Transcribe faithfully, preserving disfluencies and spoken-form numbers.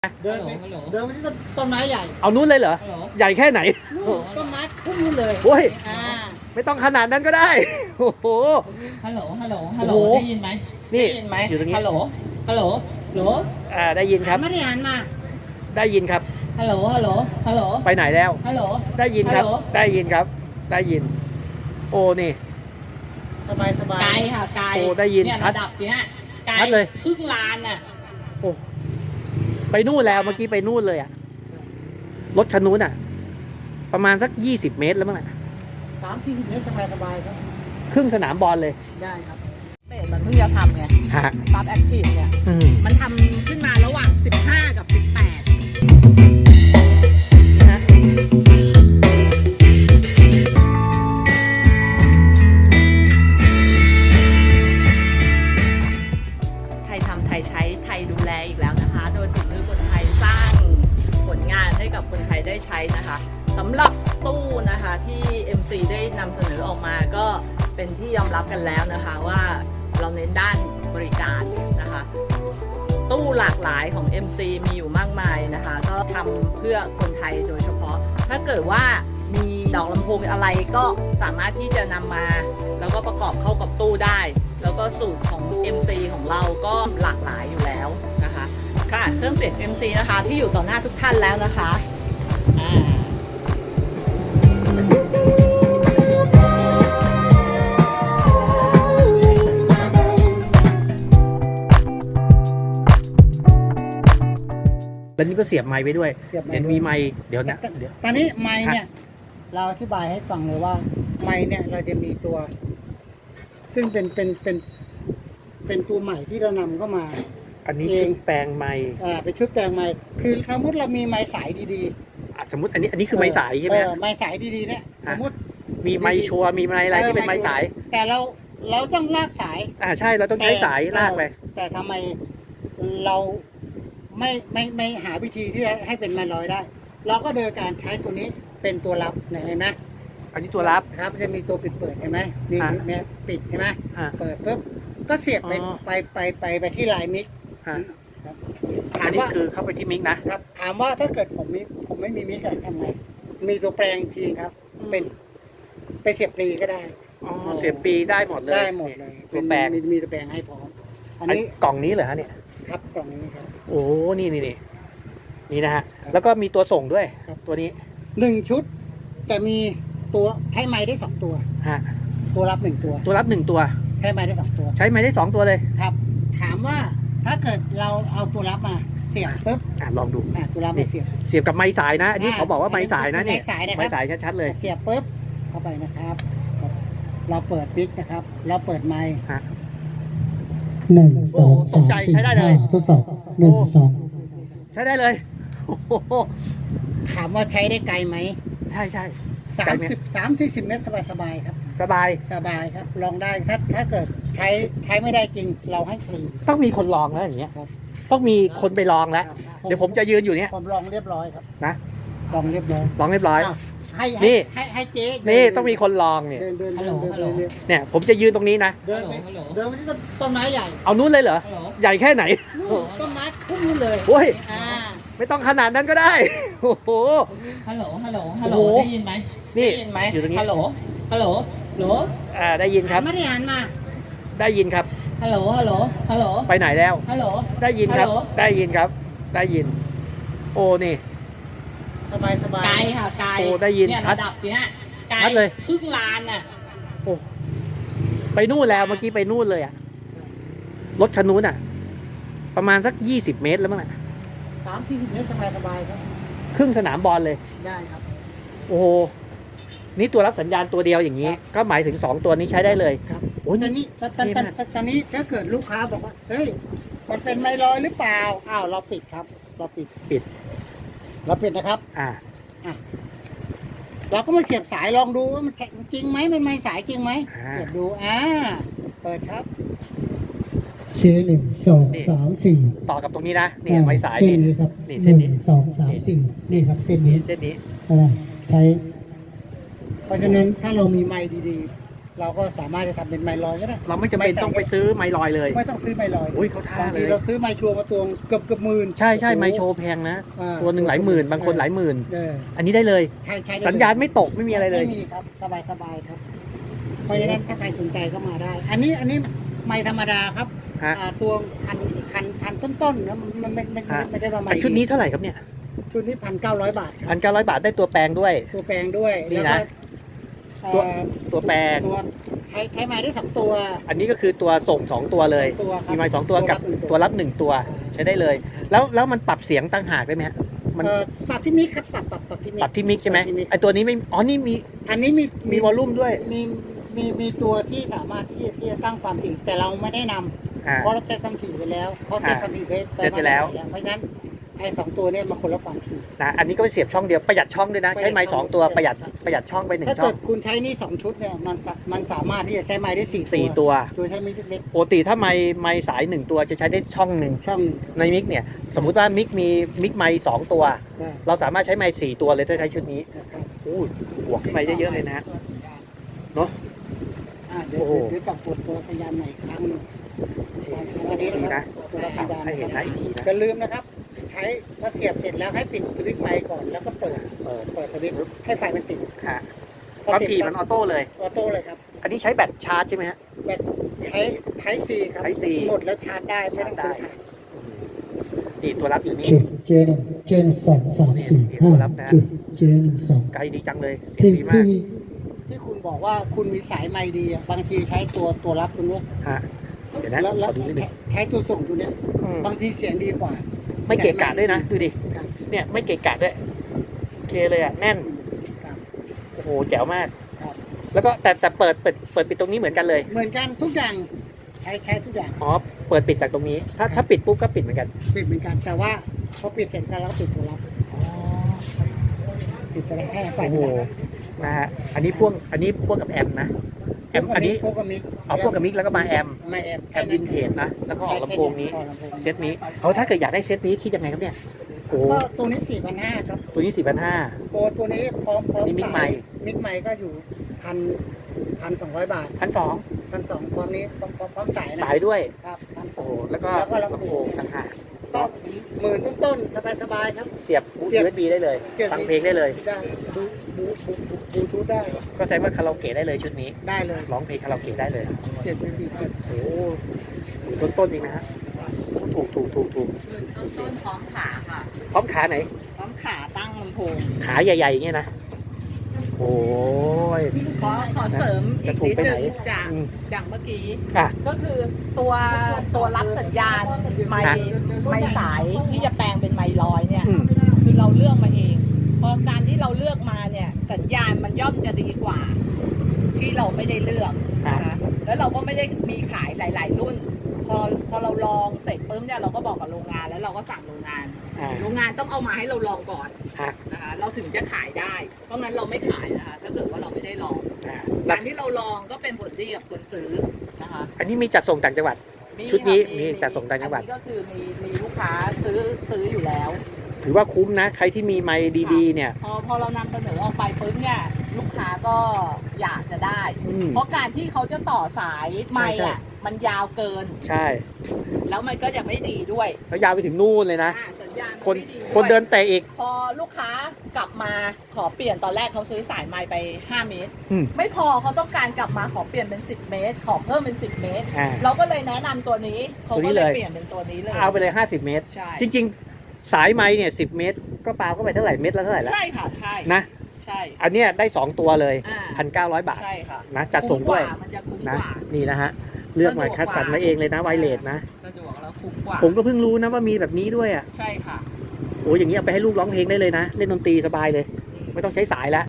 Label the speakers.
Speaker 1: เดินไปเดินไปที่ต้นไม้ใหญ่
Speaker 2: เอานู้นเลยเหรอใหญ่แค่ไหน
Speaker 1: ต้นไม้พุ่งนู้นเลย
Speaker 2: โอ้ย
Speaker 1: อ่า
Speaker 2: ไม่ต้องขนาดนั้นก็ได้โอ้โห
Speaker 3: ฮัลโหลฮัลโหลฮัลโหลได้ยินไหม
Speaker 2: นี่
Speaker 3: ได้ยินไหมฮัลโหลฮัลโหลฮัลโหล
Speaker 2: อ่าได้ยินครับ
Speaker 1: ไม่ได้หันมา
Speaker 2: ได้ยินครับ
Speaker 3: ฮัลโหลฮัลโหลฮัลโหล
Speaker 2: ไปไหนแล้ว
Speaker 3: ฮัลโหล
Speaker 2: ได้ยินครับได้ยินครับได้ยินโอ้นี่
Speaker 1: สบายสบาย
Speaker 3: ไกลค่ะไกล
Speaker 2: โอ้ได้ยินชัด
Speaker 3: ระดับเนี้ยไกล
Speaker 2: เลย
Speaker 3: ครึ่งลานอ่ะ
Speaker 2: โอ้ไปนู่นแล้วเมื่อกี้ไปนู่นเลยอ่ะรถคันนู้นอ่ะประมาณสักยี่สิบเมตรแล้วมั้งอ่ะ
Speaker 1: สามสี่สิบเมตรสบายสบายครับ
Speaker 2: ครึ่งสนามบอลเลย
Speaker 1: ได้ครับ
Speaker 3: เบสมันเพิ่งจะทำไงซับแอคทีฟเนี่ยมันทำขึ้นมาระหว่างสิบห้ากับสิบแปดนะไทยทำไทยใช้ไทยดูแลอีกแล้วนะคะโดยฝีมือคนไทยสร้างผลงานให้กับคนไทยได้ใช้นะคะสำหรับตู้นะคะที่ เอ็ม ซี ได้นำเสนอออกมาก็เป็นที่ยอมรับกันแล้วนะคะว่าเราเน้นด้านบริการนะคะตู้หลากหลายของ เอ็ม ซี มีอยู่มากมายนะคะก็ทำเพื่อคนไทยโดยเฉพาะถ้าเกิดว่ามีดอกลำโพงอะไรก็สามารถที่จะนำมาแล้วก็ประกอบเข้ากับตู้ได้แล้วก็สูตรของ เอ็ม ซี ของเราก็หลากหลายอยู่แล้วนะคะค่ะเครื่องเสียง เอ็ม ซี นะคะที่อยู่ต่อหน้าทุกท่านแล้วนะคะอ่า
Speaker 2: แล้วนี่ก็เสียบไมค์ไว้ด้วยเห็นมีไมค์เดี๋ยวนะเดี๋ยว
Speaker 1: ตอนนี้ไมค์เนี่ยเราอธิบายให้ฟังเลยว่าไมค์เนี่ยเราจะมีตัวซึ่งเป็นเป็นเป็นเป็นตัวใหม่ที่เรานำเข้ามา
Speaker 2: อันนี้ชุดแปลงไมค์
Speaker 1: อ่าเป็นชุดแปลงไมค์คือสมมติเรามีไมค์สายดี
Speaker 2: ๆสมมติอันนี้อันนี้คือไมค์สายใช่ไหม
Speaker 1: ไมค์สายดีๆเนี่ยสมมติ
Speaker 2: มีไมค์ชัวร์มีไมค์อะไรที่เป็นไมค์สาย
Speaker 1: แต่เราเราต้องลากสาย
Speaker 2: อ่าใช่เราต้องใช้สายลากไป
Speaker 1: แต่ทำไมเราไม่ไม่ไม่หาวิธีที่จะให้เป็นไมค์ลอยได้เราก็โดยการใช้ตัวนี้เป็นตัวรับเห็นไหม
Speaker 2: อันนี้ตัวรับ
Speaker 1: ครับจะมีตัวปิดเปิดเห็นไหมนี่เนี่ยปิดใช่ไหมเปิดปุ๊บก็เสียบไปไปไปไปไปที่ลายมิก
Speaker 2: อันนี้คือเข้าไปที่มิกนะครับ
Speaker 1: ถามว่าถ้าเกิดผมมีผมไม่มีมิกทำไงมีตัวแปลงทีครับเป็นไปเสียบปลีก็ได้
Speaker 2: อ๋อเสียบปลีได้หมดเลย
Speaker 1: ได้หมดเลย
Speaker 2: ตัวแปลง
Speaker 1: มีตัวแปลงให้พร้อม
Speaker 2: อันนี้กล่องนี้เหรอฮะเนี่ย
Speaker 1: ครับกล่องนี้ครับ
Speaker 2: โอ้นี่นี่นี่นี่นะฮะแล้วก็มีตัวส่งด้วยตัวนี้
Speaker 1: หนึ่งชุดแต่มีตัวใช้ไม้ได้สองตัว
Speaker 2: ฮะ
Speaker 1: ตัวรับหนึ่งตัว
Speaker 2: ตัวรับหนึ่งตัว
Speaker 1: ใช้ไม้ได้สองตัว
Speaker 2: ใช้ไม้ได้สองตัวเลย
Speaker 1: ครับถามว่าถ้าเกิดเราเอาตัวรับมาเสียบปุ๊บ
Speaker 2: อ่ะลองดู
Speaker 1: อ่ะตัวรับมาเสียบ
Speaker 2: เสียบกับไม้สายนะอันนี้เขาบอกว่าไม้สายนะเนี่ย
Speaker 1: ไม้สายนะครับ
Speaker 2: ไม้สายชัดๆเลย
Speaker 1: เสียบปุ๊บเข้าไปนะครับเราเปิดปิกนะครับเราเปิดไม้หนึ่งสองสามสี่ห้าทดสอบหนึ่งสอง
Speaker 2: ใช้ได้เลย
Speaker 1: ถามว่าใช้ได้ไกลไหม
Speaker 2: ใช่ใช่
Speaker 1: สามสิบสามสี่สิบเมตรสบายสบายครับ
Speaker 2: สบาย
Speaker 1: สบายครับลองได้ถ้าถ้าเกิดใช้ใช้ไม่ได้จริงเราให้ฟรี
Speaker 2: ต้องมีคนลองแล้วอย่างเงี้ยต้องมีคนไปลองแล้วเดี๋ยวผมจะยืนอยู่เนี้ย
Speaker 1: ผมลองเรียบร้อยครับ
Speaker 2: นะ
Speaker 1: ลองเรียบร้อย
Speaker 2: ลองเรียบร้อย
Speaker 1: ให้
Speaker 2: นี่
Speaker 1: ให้ให้เจ๊
Speaker 2: นี่ต้องมีคนลองเนี่ยเนี่ยผมจะยืนตรงนี้นะ
Speaker 1: เดินไปเดินไปที่ต้นไม้ใหญ่
Speaker 2: เอานู้นเลยเหรอใหญ่แค่ไหน
Speaker 1: ต้นไม้พุ่งนู้นเลย
Speaker 2: โอ้ยไม่ต้องขนาดนั้นก็ได้โอ้โห
Speaker 3: ฮัลโหลฮัลโหลฮัลโหลได้ยินไหม
Speaker 2: นี่
Speaker 3: ได้ยินไหมฮัลโหลฮัลโหลฮัลโหล
Speaker 2: อ่าได้ยินครับ
Speaker 1: ไม่ได้หันมา
Speaker 2: ได้ยินครับ
Speaker 3: ฮัลโหลฮัลโหลฮัลโหล
Speaker 2: ไปไหนแล้ว
Speaker 3: ฮัลโหล
Speaker 2: ได้ยินครับได้ยินครับได้ยินโอ้นี่
Speaker 1: สบายสบาย
Speaker 3: ไกลค่ะไกล
Speaker 2: โอ้ได้ยินชัด
Speaker 3: ระดับเนี้ยไกล
Speaker 2: เลย
Speaker 3: ครึ่งลานอ่ะ
Speaker 2: โอ้ไปนู่นแล้วเมื่อกี้ไปนู่นเลยอ่ะรถคันนู้นอ่ะประมาณสักยี่สิบเมตรแล้วมั้งอ่ะ
Speaker 1: สามสี่สิบเมตรสบายสบายครับ
Speaker 2: ครึ่งสนามบอลเลย
Speaker 1: ได้ครับ
Speaker 2: โอ้โหนี่ตัวรับสัญญาณตัวเดียวอย่างนี้ก็หมายถึงสองตัวนี้ใช้ได้เลย
Speaker 1: ครับโอ้ยตอนนี้ตอนตอนนี้ถ้าเกิดลูกค้าบอกว่าเฮ้ยมันเป็นไมลอยหรือเปล่าอ้าวเราปิดครับเราปิด
Speaker 2: ปิด
Speaker 1: เราปิดนะครับ
Speaker 2: อ่า
Speaker 1: อ่ะเราก็มาเสียบสายลองดูว่ามันจริงไหมมันไม่สายจริงไหมเสียบดูอ่าเปิดครับเชหนึ่งสองสามสี่
Speaker 2: ต่อกับตรงนี้นะนี่ไม้สาย
Speaker 1: นี่นี่ครับ
Speaker 2: นี่เส้นนี้
Speaker 1: สองสามสี่นี่ครับเส้นนี้
Speaker 2: เส้นนี้
Speaker 1: อ่าใช้เพราะฉะนั้นถ้าเรามีไม้ดีเราก็สามารถจะทำเป็นไมค์ลอยก็ได้
Speaker 2: เราไม่จำเป็นต้องไปซื้อไมลอยเลย
Speaker 1: ไม่ต้องซื้อไมค์ลอย
Speaker 2: อุ้ยเขาท่า
Speaker 1: บาง
Speaker 2: เล
Speaker 1: ที
Speaker 2: ย
Speaker 1: เราซื้อไมค์ชัวร์มาตัวเกือบเกือบหมื่น
Speaker 2: ใช่ใช่
Speaker 1: โอ้โห
Speaker 2: ไมโชว์แพงนะ
Speaker 1: อ่า
Speaker 2: ตัวหนึ่งหลายหมื่น บางคนหลายหมื่น
Speaker 1: เออ
Speaker 2: อันนี้ได้เลย
Speaker 1: ใช่ใช่ได้เลย
Speaker 2: สัญญาณไม่ตกไม่มีอะไรเลย
Speaker 1: ไม่มีครับสบายสบายครับ เพราะฉะนั้นถ้าใครสนใจก็มาได้ อันนี้อันนี้ไมค์ธรรมดาครับ
Speaker 2: ฮะ
Speaker 1: อ่าตัวพันพันพันต้นๆนะมันไม่ไม่ไม่
Speaker 2: ฮะ
Speaker 1: ไม่ใช่ว่าไม
Speaker 2: ไอ
Speaker 1: ค์
Speaker 2: ชุดนี้เท่าไหร่ครับเนี่ย
Speaker 1: ชุดนี้พันเก้าร้อยบาทค
Speaker 2: พั
Speaker 1: รับ
Speaker 2: นเก้าร้อยบาทได้ตัวแปลงด้วย
Speaker 1: ตัวแปลงด้วย
Speaker 2: นี่
Speaker 1: แล้ว
Speaker 2: นะ
Speaker 1: ก็
Speaker 2: ตัว
Speaker 1: เอ่อ
Speaker 2: ตัวแปลง
Speaker 1: ตัวใช้ใช้ไม้ได้สองตัว
Speaker 2: อันนี้ก็คือตัวส่งสองตัวเลย
Speaker 1: สองตัวครับ
Speaker 2: มีไม้สองตัวกับ
Speaker 1: ตัวรับหนึ่งตัว
Speaker 2: ตัวรับหนึ่งตัวใช้ได้เลย แล้วแล้วมันปรับเสียงต่างหากได้ไหมฮะมัน
Speaker 1: เอ่อปรับที่มิกครับปรับปรับปรับที่มิก
Speaker 2: ปรับที่มิกใช่ไหม
Speaker 1: ปรับที่มิก
Speaker 2: ไอตัวนี้ไม่อ๋อนี่มี
Speaker 1: อันนี้มี
Speaker 2: มีวอลลุ่มด้วย
Speaker 1: มีมีมีตัวที่สามารถที่ที่จะตั้งความถี่แต่เราไม่ได้นำ
Speaker 2: อ่า
Speaker 1: เพราะเราเซตความถี่ไว้แล้วเขาเซตความถี่ไว้
Speaker 2: เซตไว้แล้ว
Speaker 1: เพราะฉะนั้นไอ้สองตัวเนี่ยมาคนละความถี่
Speaker 2: นะอันนี้ก็ไปเสียบช่องเดียวประหยัดช่องด้วยนะ ใช้ไม้สองตัว
Speaker 1: ประ
Speaker 2: ประ
Speaker 1: ห
Speaker 2: ห
Speaker 1: ยั
Speaker 2: ยั
Speaker 1: ด
Speaker 2: ดประหยัดช่องไปหนึ่ง
Speaker 1: ถ้า
Speaker 2: ช่อ
Speaker 1: เกิ
Speaker 2: ง
Speaker 1: ดคุณใช้นี่สองชุดเนี่ยมันสะมันสามารถที่จะใช้ไม้ได้สี่
Speaker 2: สี่ตัว
Speaker 1: ตัวใช้มิกเล็ก
Speaker 2: ปกติถ้าไม้ไม้สายหนึ่งตัวจะใช้ได้ช่องหนึ่ง
Speaker 1: ๆช่องหนึ่ง
Speaker 2: ในมิกเนี่ยสมมุติว่ามิกมีมิกไม้สองตัว
Speaker 1: ได้
Speaker 2: เราสามารถใช้ไม้สี่ตัวเลยถ้าใช้ชุดนี้
Speaker 1: นะครับ
Speaker 2: อู้บวกขึ้นไปได้เยอะเลยนะฮะ เนอะ
Speaker 1: อ่าเดี๋ยว
Speaker 2: โอ้โห
Speaker 1: เดี๋ยวกลับกดตัวพยายามใหม่อีกครั้งหนึงอันนี้
Speaker 2: ดี
Speaker 1: นะครั
Speaker 2: นะ
Speaker 1: บตัวรับสัญญาณ
Speaker 2: ให้เห็นนะอีกทีนะ
Speaker 1: อย่าลืมนะครับ ใช้ถ้าเสียบเสร็จแล้วให้ปิดสวิตช์ไมค์ก่อนแล้วก็เปิด
Speaker 2: เปิด
Speaker 1: เปิดสวิตช์ให้ไฟมันติด
Speaker 2: ฮะความถี่มันออโต้เลย
Speaker 1: ออโต้เลยครับ
Speaker 2: อันนี้ใช้แบตชาร์จใช่ไหมฮะ
Speaker 1: แบตใช้ไทซีครับ
Speaker 2: Type C
Speaker 1: หมดแล้วชาร์จได้ไม่ต้องซื้อถ่าน
Speaker 2: นี่ตัวรับอยู่นี่
Speaker 4: จุดเจหนึ่งเจหนึ่งสองสามสี่ห้าจุดเจหนึ่งสอง
Speaker 2: ไกลดีจังเลย เสียง
Speaker 4: ที่
Speaker 2: ดีมาก
Speaker 4: ที่
Speaker 1: ที่คุณบอกว่าคุณมีสายไมค์ดีอะบางทีใช้ตัวตัวรับตัวเนี้ย
Speaker 2: ฮะ เดี๋ยวนะ
Speaker 1: แล้ว
Speaker 2: ข
Speaker 1: แล้ว
Speaker 2: อดูนิดนึง
Speaker 1: ใช้ตัวส่งตัวเนี้ย
Speaker 2: อืม
Speaker 1: บางทีเสียงดีกว่า
Speaker 2: ไม่เกะกะด้วยนะ ดูดิ
Speaker 1: ครับ
Speaker 2: เนี่ยไม่เกะกะด้วยโอเคเลยอ่ะ แน่น
Speaker 1: ครับ
Speaker 2: โอ้โห แจ๋วมาก
Speaker 1: ครับ
Speaker 2: แล้วก็แต่แต่เปิดเปิดเปิดปิดตรงนี้เหมือนกันเลย
Speaker 1: เหมือนกันทุกอย่างใช้ใช้ทุกอย่าง
Speaker 2: อ๋อ เปิดปิดจากตรงนี้ ถ้าถ้าปิดปุ๊บก็ปิดเหมือนกัน
Speaker 1: ปิดเหมือนกัน แต่ว่าพอปิดเสร็จก็แล้วปิดตัวรับปิดตัวรับให้ไฟ
Speaker 2: โอ้
Speaker 1: มั
Speaker 2: โห
Speaker 1: นดับ
Speaker 2: นะฮะ อันนี้พ่วง อันนี้พ่วงกับแอมนะ แอม อันนี้
Speaker 1: พวกกับมิก
Speaker 2: เอาพ่วงกับมิกแล้วก็มาแอม
Speaker 1: ไม่แอม
Speaker 2: แอมวินเทจนะ แล้วก็ออกลำโพงนี้
Speaker 1: ออกลำโพง
Speaker 2: เซตนี้เอาถ้าเกิดอยากได้เซตนี้คิดยังไงครับเนี่ย โอ้โห
Speaker 1: ก็ตัวนี้สี่พันห้าครับ
Speaker 2: ตัวนี้สี่พันห้า
Speaker 1: ตัวตัวนี้พร้อมพร้อม
Speaker 2: นี่มิก
Speaker 1: สาย
Speaker 2: ไมค์
Speaker 1: มิกไมค์ก็อยู่พันพันสองร้อยบาท
Speaker 2: พันสอง
Speaker 1: พันสองพร้อมนี้พร้อมพร้อมพร้อมสายนะ
Speaker 2: สายด้วย
Speaker 1: ครับพันส
Speaker 2: โอ้
Speaker 1: อง
Speaker 2: โห แล้วก็
Speaker 1: แล้วก็ลำ
Speaker 2: ลำ
Speaker 1: โพ
Speaker 2: โพ
Speaker 1: ง
Speaker 2: งต่างหาก
Speaker 1: ก็หมื่นต้นๆสบายๆครับ
Speaker 2: เสียบ
Speaker 1: เสียบ
Speaker 2: ยู เอส บี ได้เลย
Speaker 1: เสียบ
Speaker 2: ฟังเพลงได้เลย
Speaker 1: ได้บูบูบูบูบูทูธได้
Speaker 2: ก็ใช้ว่าคาราโอเกะได้เลยชุดนี้
Speaker 1: ได้เลย
Speaker 2: ร้องเพลงคาราโอเกะได้เลย
Speaker 1: เจ็ดเป็นปีได้
Speaker 2: โอ้โหต้นต้นๆเองนะฮะ ถูกถูกถูกถูก
Speaker 3: ต้นต้นพร้อมขาค่ะ
Speaker 2: พร้อมขาไหน
Speaker 3: พร้อมขาตั้งลำโพง
Speaker 2: ขาใหญ่ๆอย่างเงี้ยนะ โอ้ย
Speaker 3: ขอขอเสริมอีกนิดนึงจาก
Speaker 2: อืม
Speaker 3: จากเมื่อกี้
Speaker 2: อ่ะ
Speaker 3: ก็คือตัวตัวรับสัญญาณไมค์ไมค์สายที่จะแปลงเป็นไมค์ลอยเนี่ย
Speaker 2: อืม
Speaker 3: คือเราเลือกมาเองเพราะการที่เราเลือกมาเนี่ยสัญญาณมันย่อมจะดีกว่า ที่เราไม่ได้เลือกนะคะแล้วเราก็ไม่ได้มีขายหลาย ๆ รุ่น พอพอเราลองเสร็จปุ๊บเนี่ยเราก็บอกกับโรงงานแล้วเราก็สั่งโรงงาน
Speaker 2: อ่า
Speaker 3: โรงงานต้องเอามาให้เราลองก่อน
Speaker 2: ฮะ
Speaker 3: นะคะเราถึงจะขายได้ เพราะงั้นเราไม่ขายนะคะถ้าเกิดว่าเราไม่ได้ลอง
Speaker 2: อ่า
Speaker 3: การที่เราลองก็เป็นผลดีกับคนซื้อนะคะ
Speaker 2: อันนี้มีจัดส่งต่างจังหวัด
Speaker 3: มี
Speaker 2: ชุดนี้
Speaker 3: ค่ะ
Speaker 2: มีจัดส่งต่างจังหวัด
Speaker 3: อันนี้ก็คือมีมีลูกค้าซื้อซื้ออยู่แล้ว
Speaker 2: ถือว่าคุ้มนะ ใครที่มีไมค์ดีๆ เนี่ย
Speaker 3: พอพอเรานำเสนอออกไปปุ๊บเนี่ยลูกค้าก็อยากจะได้
Speaker 2: อืม
Speaker 3: เพราะการที่เขาจะต่อสายไมค์
Speaker 2: ใช่
Speaker 3: อ่ะมันยาวเกิน
Speaker 2: ใช่
Speaker 3: แล้วมันก็จะไม่ดีด้วย
Speaker 2: แล้วยาวไปถึงนู่นเลยนะ
Speaker 3: อ่าสัญญาณ
Speaker 2: คน
Speaker 3: ไม่ดีวย
Speaker 2: คนเดินเตะอีก
Speaker 3: พอลูกค้ากลับมาขอเปลี่ยนตอนแรกเขาซื้อสายไมค์ไปห้าเมตร
Speaker 2: อืม
Speaker 3: ไม่พอเขาต้องการกลับมาขอเปลี่ยนเป็นสิบเมตร ขอเพิ่มเป็นสิบเมตร
Speaker 2: อ่า
Speaker 3: เราก็เลยแนะนำตัวนี้เขา
Speaker 2: ตัวนี้
Speaker 3: ก็เลย
Speaker 2: เลย
Speaker 3: เปลี่ยนเป็นตัวนี้เลย
Speaker 2: เอาไปเลย ห้าสิบ เมตร
Speaker 3: ใช่
Speaker 2: จริงๆ สายไม้เนี่ยสิบเมตร ก็ปาเข้าไปเท่าไหร่เมตรละเท่าไหร่แล้ว
Speaker 3: ใช่ค่ะใช่
Speaker 2: นะ
Speaker 3: ใช่
Speaker 2: อันเนี้ยได้สองตัวเลย
Speaker 3: อ่า
Speaker 2: พันเก้าร้อยบาท
Speaker 3: ใช่ค่ะ
Speaker 2: นะจัดส่งด้วย
Speaker 3: คุ้มกามันจะคุ้ม
Speaker 2: นะ
Speaker 3: กว่า
Speaker 2: นี่นะฮะ เลือกมาคัดสรรมาเองเลยนะไวเลสนะ
Speaker 3: สะดวกแล้วคุ้มกว่า
Speaker 2: ผมก็เพิ่งรู้นะว่ามีแบบนี้ด้วยอ่ะ
Speaker 3: ใช่ค่ะ
Speaker 2: โอ้ยอย่างนี้เอาไปให้ลูกร้องเพลงได้เลยนะ เล่นดนตรีสบายเลย ไม่ต้องใช้สายแล้ว